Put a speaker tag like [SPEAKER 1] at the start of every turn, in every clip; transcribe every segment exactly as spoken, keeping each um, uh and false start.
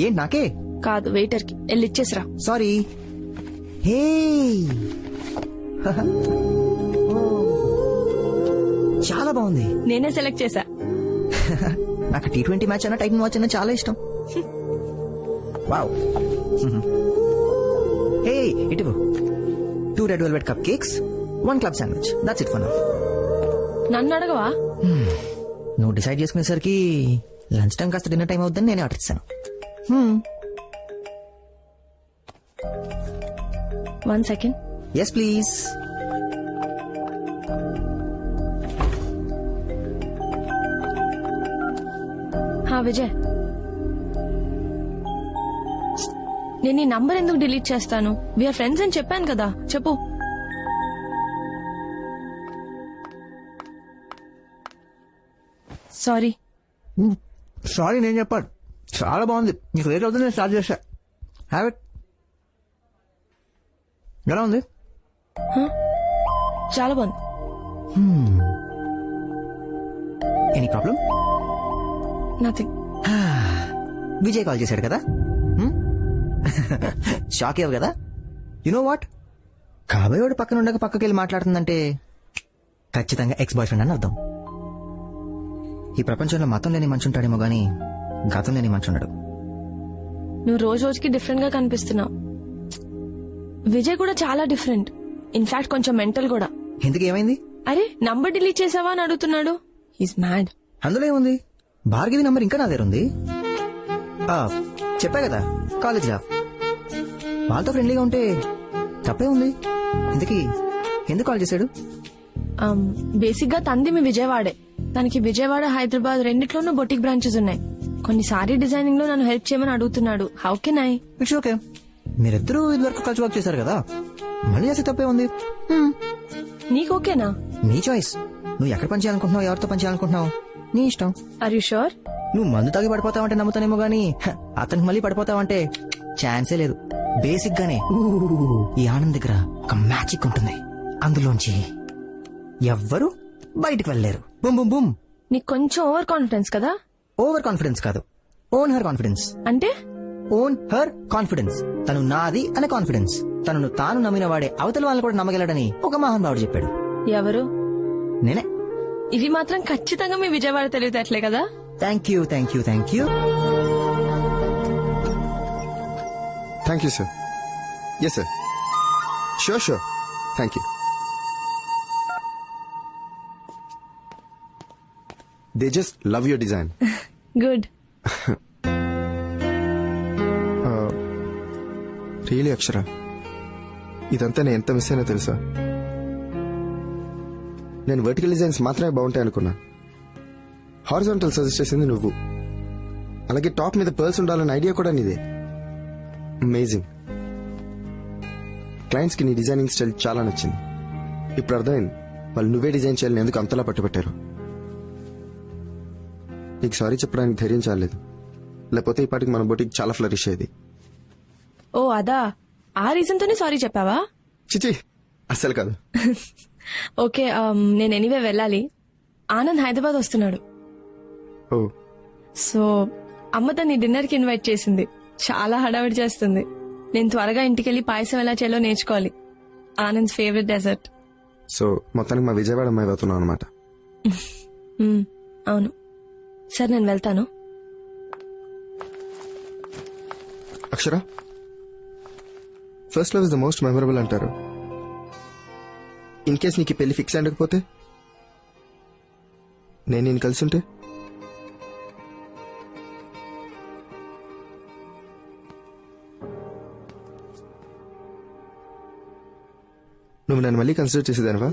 [SPEAKER 1] ఏంటి నాకే?
[SPEAKER 2] కాదు వెయిటర్ కి. వెళ్ళి ఇచ్చేసిరా.
[SPEAKER 1] సారీ. హే చాలా బాగుంది.
[SPEAKER 2] నేనే సెలెక్ట్ చేశా.
[SPEAKER 1] నాకు టీ ట్వంటీ మ్యాచ్ అన్న టైటన్ వాచ్ అన్న చాలా ఇష్టం. వావ్. హే ఇటు two red velvet cupcakes, one club sandwich. That's it for now.
[SPEAKER 2] నన్ను అడగవా?
[SPEAKER 1] నువ్వు డిసైడ్ చేసుకునేసరికి లంచ్ టైం కాస్త డిన్నర్ టైం అవుతుందని నేనే ఆర్డర్ ఇస్తాను.
[SPEAKER 2] One second.
[SPEAKER 1] Yes please.
[SPEAKER 2] హా విజయ్, నేను ఈ నంబర్ ఎందుకు డిలీట్ చేస్తాను? వీఆర్ ఫ్రెండ్స్ అని చెప్పాను కదా. చెప్పు. సారీ.
[SPEAKER 1] సారీ నేను చెప్పాను. చాలా బాగుంది. నీకు లేట్ అవుతుంది, నేను స్టార్ట్ చేశా. Have it. ఎలా ఉంది?
[SPEAKER 2] చాలా బాగుంది.
[SPEAKER 1] Any problem?
[SPEAKER 2] Nothing.
[SPEAKER 1] Vijay call చేశాడు కదా, షాక్ అయ్యావు కదా. యు నో వాట్, కాబోయేవాడు పక్కన ఉండక పక్కకి వెళ్ళి మాట్లాడుతుందంటే ఖచ్చితంగా ఎక్స్ బాయ్ ఫ్రెండ్ అని అర్థం. ఈ ప్రపంచంలో మతం లేని మనిషి ఉంటాడేమో గానీ గతం లేని మనిషి ఉండడు.
[SPEAKER 2] నువ్వు రోజు రోజుకి డిఫరెంట్ గా కనిపిస్తున్నావు. విజయ్ కూడా చాలా డిఫరెంట్. ఇన్ఫాక్ట్ కొంచెం మెంటల్ కూడా.
[SPEAKER 1] ఎందుకు ఏమైంది?
[SPEAKER 2] అరే నంబర్ డిలీట్ చేసావా అని అడుగుతున్నాడు. He's mad.
[SPEAKER 1] అందులో ఏముంది? భార్గవి నంబర్ ఇంకా నా దగ్గర ఉంది. చెప్పా కదా, కాలేజ్ రా. వాళ్ళతో ఫ్రెండ్లీగా ఉంటే తప్పే ఉంది. ఇంతకీ ఎందుకు కాల్ చేశాడు?
[SPEAKER 2] బేసిక్ గా తంది మీ విజయవాడే. తనకి విజయవాడ, హైదరాబాద్ రెండిట్లోనూ బొటిక్ బ్రాంచెస్ ఉన్నాయి. కొన్ని సారీ డిజైనింగ్ లో నన్ను హెల్ప్ చేయమని అడుగుతున్నాడు. How can I?
[SPEAKER 1] It's okay. మీరిద్దరూ ఇది వరకు కలిసి వర్క్ చేశారు కదా, మళ్ళీ చేస్తే తప్పే ఉంది.
[SPEAKER 2] నీకు ఓకేనా?
[SPEAKER 1] నీ చాయిస్. నువ్వు ఎక్కడ పని చేయాలనుకుంటున్నావు, ఎవరితో పని చేయాలనుకుంటున్నావు, నీ ఇష్టం.
[SPEAKER 2] Are you sure?
[SPEAKER 1] నువ్వు మందు తాగి పడిపోతావంటే నమ్ముతానేమో గానీ అతనికి మళ్ళీ పడిపోతావంటే ఛాన్సే లేదు. బేసిక్ గానే ఈ ఆనంద్ దగ్గర ఒక మ్యాజిక్ ఉంటుంది. అందులోంచి ఎవ్వరు బయటికి వెళ్ళలేరు. Boom boom boom.
[SPEAKER 2] నీకు కొంచెం ఓవర్ కాన్ఫిడెన్స్ కదా?
[SPEAKER 1] ఓవర్ కాన్ఫిడెన్స్ కాదు, ఓన్ హర్ కాన్ఫిడెన్స్.
[SPEAKER 2] అంటే
[SPEAKER 1] ఓన్ హర్ కాన్ఫిడెన్స్. తను నాది అనే కాన్ఫిడెన్స్. తనను తాను నమ్మిన వాడే అవతల వాళ్ళని కూడా నమ్మగలడని ఒక మహానుభావుడు చెప్పాడు.
[SPEAKER 2] ఎవరు?
[SPEAKER 1] నేనే.
[SPEAKER 2] ఇవి మాత్రం ఖచ్చితంగా మీ విజయవాడ తెలివితేటలే కదా.
[SPEAKER 1] Thank you thank you thank you
[SPEAKER 3] thank you sir. Yes sir, sure sure. Thank you. They just love your design.
[SPEAKER 2] Good.
[SPEAKER 3] Really Akshara, ఇదంతా నేను ఎంత మిస్ అయినా తెలుసా? నేను వర్టికల్ డిజైన్స్ మాత్రమే బాగుంటాయి అనుకున్నా. హారిజాంటల్ సజెస్ట్ చేసింది నువ్వు. అలాగే టాప్ మీద పర్ల్స్ ఉండాలన్న ఐడియా కూడా నీదే. అమేజింగ్. క్లయింట్స్ కి నీ డిజైనింగ్ స్టైల్ చాలా నచ్చింది. ఇప్పుడు అర్థమైంది వాళ్ళు నువ్వే డిజైన్ చేయాలని ఎందుకు అంతలా పట్టుబట్టారు. నీకు సారీ చెప్పడానికి ధైర్యం చాలేదు, లేకపోతే ఈ పాటికి మన బొటిక్ చాలా ఫ్లరిష్ అయ్యేది.
[SPEAKER 2] ఓ అదా, ఆ రీజన్ తోనే సారీ చెప్పావా?
[SPEAKER 3] చిచి అస్సలు కాదు.
[SPEAKER 2] ఓకే, నేను ఎనీవే వెళ్ళాలి. ఆనంద్ హైదరాబాద్ వస్తున్నాడు.
[SPEAKER 3] ఓ.
[SPEAKER 2] సో అమ్మ తన్ని డిన్నర్ కి ఇన్వైట్ చేసింది. చాలా హడావిడి చేస్తుంది. నేను త్వరగా ఇంటికెళ్లి పాయసం ఎలా చేయాలో నేర్చుకోవాలి. Anand favourite dessert.
[SPEAKER 3] సో మొత్తానికి మా విజయవాడ అమ్మాయి అవుతున్నావు అనమాట.
[SPEAKER 2] అవును. సరే నేను వెళ్తాను.
[SPEAKER 3] Akshara, first love is the most memorable అంటారు. ఇన్ కేస్ నీకు పెళ్లి ఫిక్స్ అయ్యకపోతే, నేను నేను కలిసి ఉంటే, నువ్వు నన్ను మళ్ళీ కన్సిడర్ చేసేదానివా?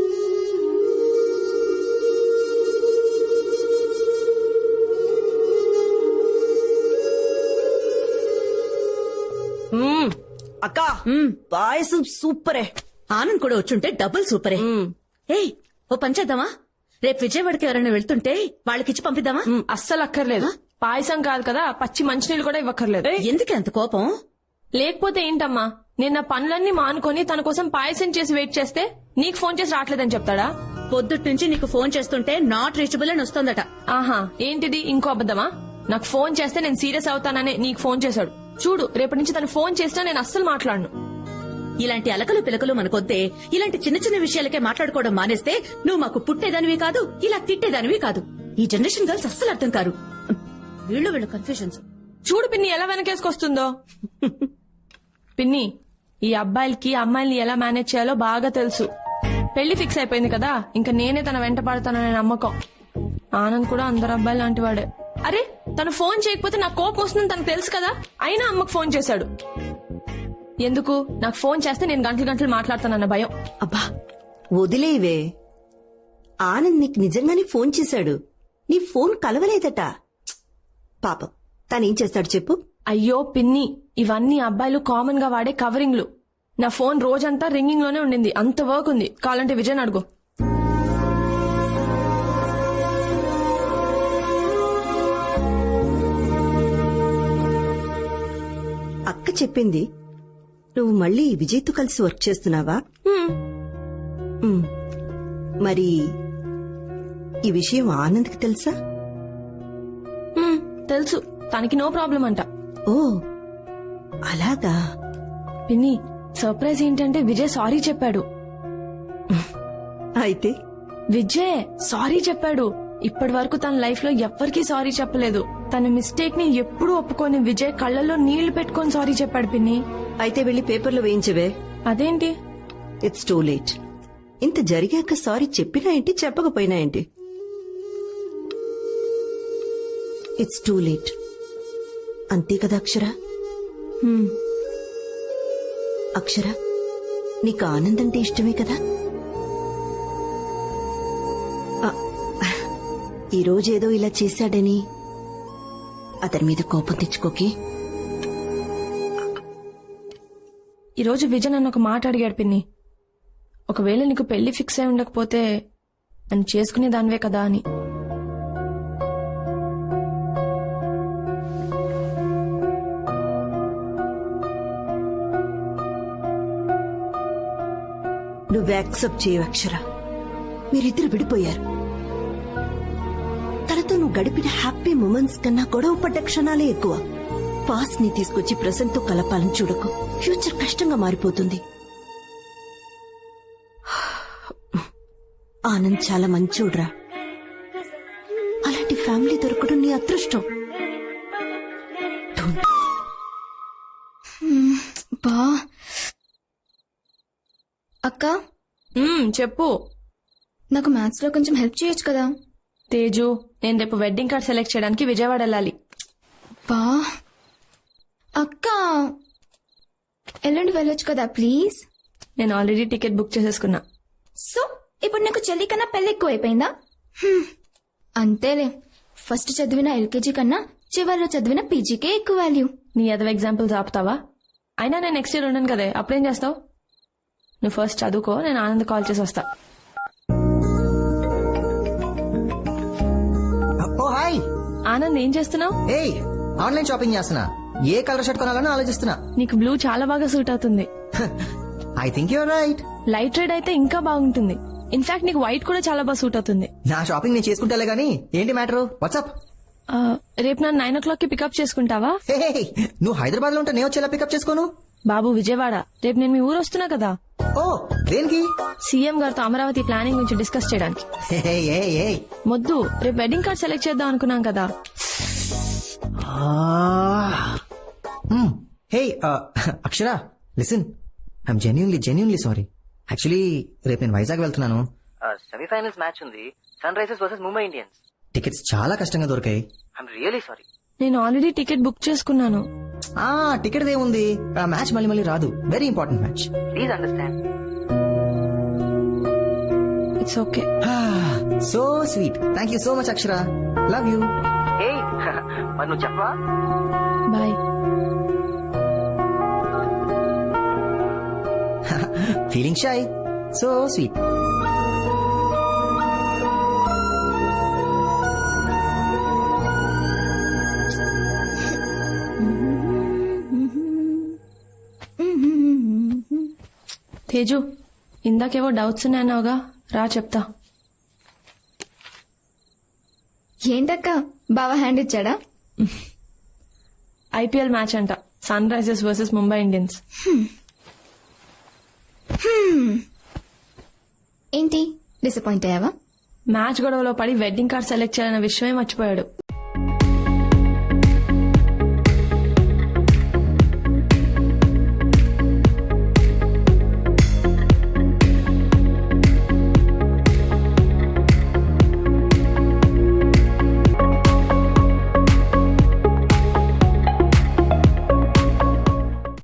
[SPEAKER 4] అక్కా పాయసం సూపరే. ఆనంద్ కూడా వచ్చుంటే డబుల్ సూపరే. ఏయ్ ఓ పని చేద్దామా, రేపు విజయవాడకి ఎవరైనా వెళ్తుంటే వాళ్ళకిచ్చి పంపిద్దామా?
[SPEAKER 2] అస్సలు అక్కర్లేదు. పాయసం కాదు కదా, పచ్చి మంచినీళ్ళు కూడా ఇవ్వక్కర్లేదు.
[SPEAKER 4] ఎందుకే అంత కోపం?
[SPEAKER 2] లేకపోతే ఏంటమ్మా, నేను నా పనులన్నీ మానుకొని తన కోసం పాయసం చేసి వెయిట్ చేస్తే నీకు ఫోన్ చేసి రావట్లేదని చెప్తాడా?
[SPEAKER 4] పొద్దుట్ నుంచి నీకు ఫోన్ చేస్తుంటే నాట్ రీచబుల్ అని వస్తోందట.
[SPEAKER 2] ఆహా, ఏంటిది ఇంకో అబద్దమా? నాకు ఫోన్ చేస్తే నేను సీరియస్ అవుతాననే నీకు ఫోన్ చేశాడు. చూడు, రేపటి నుంచి తను ఫోన్ చేసినా నేను అస్సలు మాట్లాడను.
[SPEAKER 4] ఇలాంటి అలకలు పిలకలు మనకొద్దే. ఇలాంటి చిన్న చిన్న విషయాలకే మాట్లాడుకోవడం మానేస్తే నువ్వు మాకు పుట్టేదానివి కాదు, ఇలా తిట్టేదానివి కాదు. ఈ జనరేషన్ గర్ల్స్ అస్సలు అర్థం కారు. వీళ్ళు వీళ్ళు కన్ఫ్యూజన్స్.
[SPEAKER 2] చూడు పిన్ని ఎలా వెనకేసుకొస్తుందో. పిన్ని, ఈ అబ్బాయిలకి అమ్మాయిల్ని ఎలా మేనేజ్ చేయాలో బాగా తెలుసు. పెళ్లి ఫిక్స్ అయిపోయింది కదా, ఇంకా నేనే తన వెంట పడతాననే నమ్మకం. ఆనంద్ కూడా అందరు అబ్బాయిలు లాంటి వాడే. అరే, తను ఫోన్ చేయకపోతే నాకు కోపం వస్తుందని తనకు తెలుసు కదా, అయినా అమ్మకు ఫోన్ చేశాడు. ఎందుకు? నాకు ఫోన్ చేస్తే నేను గంటలు గంటలు మాట్లాడతానన్న భయం.
[SPEAKER 5] అబ్బా వదిలేవే. ఆనంద్ నీకు నిజంగానే ఫోన్ చేశాడు. నీ ఫోన్ కలవలేదట. పాపం తనేం చేస్తాడు చెప్పు.
[SPEAKER 2] అయ్యో పిన్ని, ఇవన్నీ అబ్బాయిలు కామన్ గా వాడే కవరింగ్లు. నా ఫోన్ రోజంతా రింగింగ్ లోనే ఉండింది. అంత వర్క్ ఉంది. కావాలంటే విజయ్ అడుగు.
[SPEAKER 5] అక్క చెప్పింది నువ్వు మళ్ళీ విజయ్తో కలిసి వర్క్ చేస్తున్నావా?
[SPEAKER 2] హ్మ్.
[SPEAKER 5] ఉమ్. మరి ఈ విషయం ఆనంద్కి తెలుసా?
[SPEAKER 2] హ్మ్, తెలుసు. తనకి నో ప్రాబ్లం అంట.
[SPEAKER 5] ఓ అలాగా.
[SPEAKER 2] పిన్ని, సర్ప్రైజ్ ఏంటంటే విజయ్ సారీ చెప్పాడు.
[SPEAKER 5] అయితే
[SPEAKER 2] విజయ్ సారీ చెప్పాడు. ఇప్పటి వరకు తన లైఫ్ లో ఎవ్వరికీ సారీ చెప్పలేదు. తన మిస్టేక్ ని ఎప్పుడూ ఒప్పుకొని విజయ్ కళ్ళల్లో నీళ్లు పెట్టుకొని సారీ చెప్పాడు పిన్ని.
[SPEAKER 5] అయితే వెళ్ళి పేపర్లో వేయించవే.
[SPEAKER 2] అదేంటి?
[SPEAKER 5] It's too late. ఇంత జరిగాక సారీ చెప్పినా ఏంటి, చెప్పకపోయినా ఏంటి? It's too late. అంతే కదా అక్షర?
[SPEAKER 2] హ్మ్.
[SPEAKER 5] అక్షర, నీకు ఆనంద్ అంటే ఇష్టమే కదా? ఆ, ఈ రోజేదో ఇలా చేశాడని అతని మీద కోపం తెచ్చుకోకి.
[SPEAKER 2] ఈ రోజు విజయ్ నన్ను ఒక మాట అడిగాడు పిన్ని. ఒకవేళ నీకు పెళ్లి ఫిక్స్ అయి ఉండకపోతే నన్ను చేసుకునే దానివే కదా అని.
[SPEAKER 5] నువ్వు యాక్సెప్ట్ చేయవు అక్షర. మీరిద్దరు విడిపోయారు. తనతో నువ్వు గడిపిన హ్యాపీ మూమెంట్స్ కన్నా గొడవ పడ్డ క్షణాలే ఎక్కువ. పాస్ట్ ని తీసుకొచ్చి ప్రెసెంట్ తో కలపాలని చూడకు. ఫ్యూచర్ కష్టంగా మారిపోతుంది. ఆనంద్ చాలా మంచోడ్రా. అలాంటి ఫ్యామిలీ దొరకడం నీ అదృష్టం.
[SPEAKER 6] బా అక్క,
[SPEAKER 2] హ్మ్, చెప్పు.
[SPEAKER 6] నాకు మ్యాథ్స్ లో కొంచెం హెల్ప్ చేయొచ్చు కదా?
[SPEAKER 2] తేజు, నేను రేపు వెడ్డింగ్ కార్డ్ సెలెక్ట్ చేయడానికి విజయవాడ వెళ్ళాలి.
[SPEAKER 6] బా అక్క, ఎల్లుండి వెళ్ళొచ్చు కదా ప్లీజ్?
[SPEAKER 2] నేను ఆల్రెడీ టికెట్ బుక్ చేసేసుకున్నా.
[SPEAKER 6] సో ఇప్పుడు నీకు చెల్లి కన్నా పెళ్లి ఎక్కువ అయిపోయిందా? హ్మ్, అంతేలే. ఫస్ట్ చదివిన ఎల్కేజీ కన్నా చివరిలో చదివిన పీజీకే ఎక్కువ వాల్యూ.
[SPEAKER 2] నీ అదవ ఎగ్జాంపుల్స్ ఆపుతావా? అయినా నేను నెక్స్ట్ ఇయర్ ఉండను కదే, అప్పుడేం చేస్తావు? నువ్వు ఫస్ట్ చదువుకో, నేను ఆనంద్ కాల్ చేసి వస్తా.
[SPEAKER 1] ఓ హాయ్
[SPEAKER 2] ఆనంద్, ఏం చేస్తున్నావు?
[SPEAKER 1] ఏయ్, ఆన్లైన్ షాపింగ్ చేస్తున్నా. ఏ కలర్ షర్ట్ కొనాలని ఆలోచిస్తున్నా.
[SPEAKER 2] నీకు బ్లూ చాలా బాగా సూట్ అవుతుంది.
[SPEAKER 1] I think you're right.
[SPEAKER 2] Light red అయితే ఇంకా బాగుంటుంది. ఇన్ఫాక్ట్ నీకు వైట్ కూడా చాలా బాగా సూట్ అవుతుంది.
[SPEAKER 1] నా షాపింగ్ నేను చేసుకుంటాలే గానీ ఏంటి మ్యాటర్? వాట్సాప్?
[SPEAKER 2] ఆ, రేపు నన్ను నైన్ ఓ క్లాక్ కి పికప్ చేసుకుంటావా?
[SPEAKER 1] నువ్వు హైదరాబాద్ లో ఉంటే నేను వచ్చేలా పికప్ చేసుకోను.
[SPEAKER 2] బాబు విజయవాడ, రేపు నేను మీ ఊరు వస్తున్నా కదా.
[SPEAKER 1] ఓ దేనికి?
[SPEAKER 2] సీఎం గారితో అమరావతి ప్లానింగ్ గురించి డిస్కస్ చేయడానికి.
[SPEAKER 1] ఏయ్, ఏయ్, ఏయ్.
[SPEAKER 2] మొద్దు, రేపు వెడ్డింగ్ కార్డ్ సెలెక్ట్ చేద్దాం అనుకున్నాం కదా.
[SPEAKER 1] Hey Akshara, listen, I'm genuinely genuinely sorry. Actually రేపు నేను వైజాగ్ వెళ్తున్నాను. సెమీఫైనల్స్ మ్యాచ్ ఉంది, Sunrisers versus Mumbai Indians. Tickets చాలా కష్టంగా దొరికాయి. I'm really sorry.
[SPEAKER 2] నేను ఆల్రెడీ టికెట్ బుక్ చేసుకున్నాను.
[SPEAKER 1] ఆ టికెట్ ఏముంది, ఆ మ్యాచ్ మళ్ళీ మళ్ళీ రాదు. Very important match. Please understand.
[SPEAKER 2] It's okay.
[SPEAKER 1] So sweet. Thank you so much Akshara. Love you. మరి నువ్వు చెప్పవా?
[SPEAKER 2] Bye.
[SPEAKER 1] Feeling shy. So sweet.
[SPEAKER 2] Teju, ఇందాకేవో doubts ఉన్నాయన్నావుగా, రా చెప్తా.
[SPEAKER 6] ఏంటక్క, బావ హ్యాండ్ ఇచ్చాడా?
[SPEAKER 2] ఐపీఎల్ మ్యాచ్ అంట, Sunrisers versus Mumbai Indians.
[SPEAKER 6] ఏంటి డిసప్పాయింట్ అయ్యావా?
[SPEAKER 2] మ్యాచ్ గొడవలో పడి వెడ్డింగ్ కార్డ్ సెలెక్ట్ చేయాలన్న విషయమే మర్చిపోయాడు.